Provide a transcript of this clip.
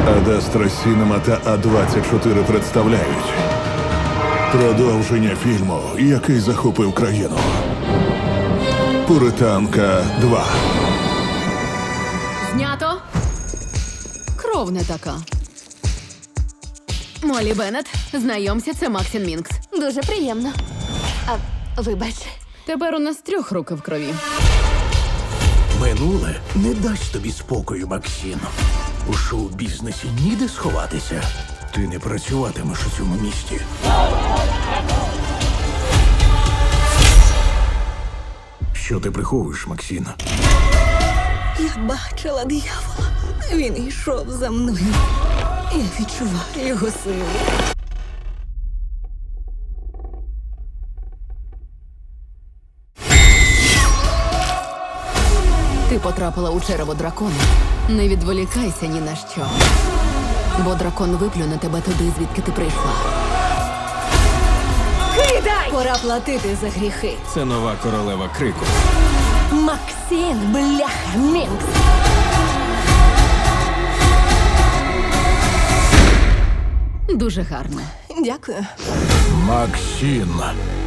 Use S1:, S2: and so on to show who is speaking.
S1: Адастра Сінема та А24 представляють продовження фільму, який захопив країну. Пуританка 2.
S2: Знято. Кров не така. Молі Беннет, знайомся, це Максін Мінкс.
S3: Дуже приємно. Вибач.
S2: Тепер у нас 3 руки в крові.
S4: Минуле не дасть тобі спокою, Максим. У шоу-бізнесі ніде сховатися. Ти не працюватимеш у цьому місті. Що ти приховуєш, Максим?
S5: Я бачила диявола. Він йшов за мною. Я відчуваю його силу.
S2: Ти потрапила у черево дракона. Не відволікайся ні на що. Бо дракон виплюне тебе туди, звідки ти прийшла.
S5: Кидай! Пора платити за гріхи.
S6: Це нова королева крику.
S5: Максим, бляха, Мінкс.
S2: Дуже гарно.
S5: Дякую.
S4: Максим.